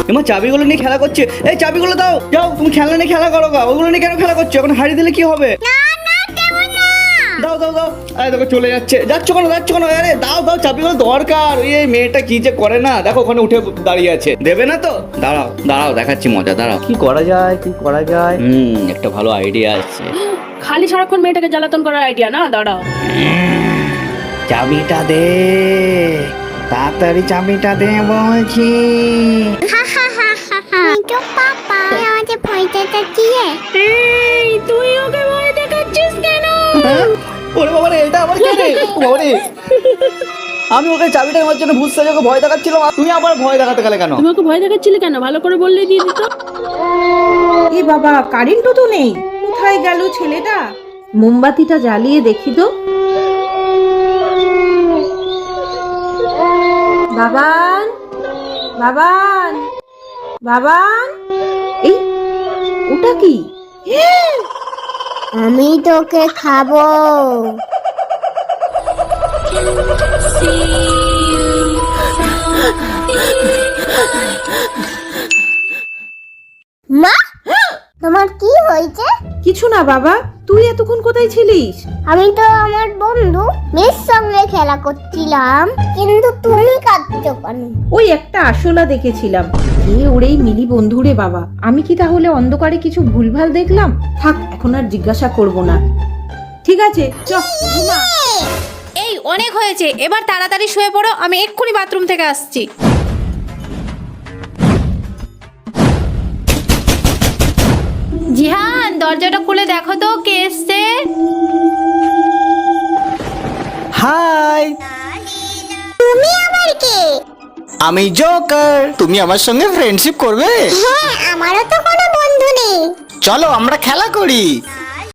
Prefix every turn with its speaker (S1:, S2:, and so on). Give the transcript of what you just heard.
S1: এমা চাবিগুলো নিয়ে খেলা করছে। এই চাবিগুলো দাও, যাও তুমি খেলনা নিয়ে খেলা করো গা। ওগুলো নিয়ে কেন খেলা করছো? এখন হারিয়ে দিলে কি হবে? দাও দাও দাও। আরে দেখো চলে যাচ্ছে। যাচ্ছ কেন আরে দাও দাও, চাবিগুলো দরকার। ওই এই মেয়েটা কি যে করে না, দেখো ওখানে উঠে দাঁড়িয়ে আছে। দেবে না তো? দাঁড়াও দাঁড়াও, দেখাচ্ছি মজা। দাঁড়াও, কি করা যায়। একটা ভালো আইডিয়া আছে।
S2: খালি সারাক্ষণ মেয়েটাকে জ্বালাতন করার আইডিয়া না, দাঁড়াও।
S1: চাবিটা দে, তাড়াতাড়ি চাবিটা দে বলছি।
S2: এই তুই ওকে ভয় দেখাচ্ছিস কেন?
S1: ওরে বাবা রে, এটা আবার কে রে? বাবা রে, আমি ওকে চাবিটা নেওয়ার জন্য ভূত সাজাকে ভয় দেখাচ্ছিলাম, আর তুমি আবার ভয় দেখাতে গেলে কেন?
S2: তুমি ওকে ভয় দেখাচ্ছিলে কেন? ভালো করে বললেই দিয়ে দিত।
S3: এ বাবা, কারেন্টও তো নেই, কোথায় গেল ছেলেটা? মোমবাতিটা জ্বালিয়ে দেখি তো। বাবান, বাবান, বাবান, এই ওটা কি?
S4: আমি তোকে খাবো। মা, তোমার কি হয়েছে?
S3: কিছু না বাবা, তুই এতক্ষণ কোথায় ছিলিস?
S4: আমি তো আমার বন্ধু মেয়ের সঙ্গে খেলা করছিলাম, কিন্তু তুমি কাঁদছো কেন?
S3: ওই একটা আরশোলা দেখেছিলাম। এ ওরেই মিলি বন্ধুরে বাবা। আমি কি তাহলে অন্ধকারে কিছু ভুলভাল দেখলাম? থাক, এখন আর জিজ্ঞাসা করব না। ঠিক আছে, চল ঘুমা।
S5: এই অনেক হয়েছে, এবার তাড়াতাড়ি শুয়ে পড়ো, আমি এক্ষুনি বাথরুম থেকে আসছি। জিহান, দরজাটা খুলে দেখো তো কে এসছে।
S6: হাই,
S4: তুমি আবার কে?
S6: আমি জোকার। তুমি আমার সঙ্গে ফ্রেন্ডশিপ করবে?
S4: হ্যাঁ, আমারও তো কোনো বন্ধু নেই।
S6: চলো আমরা খেলা করি।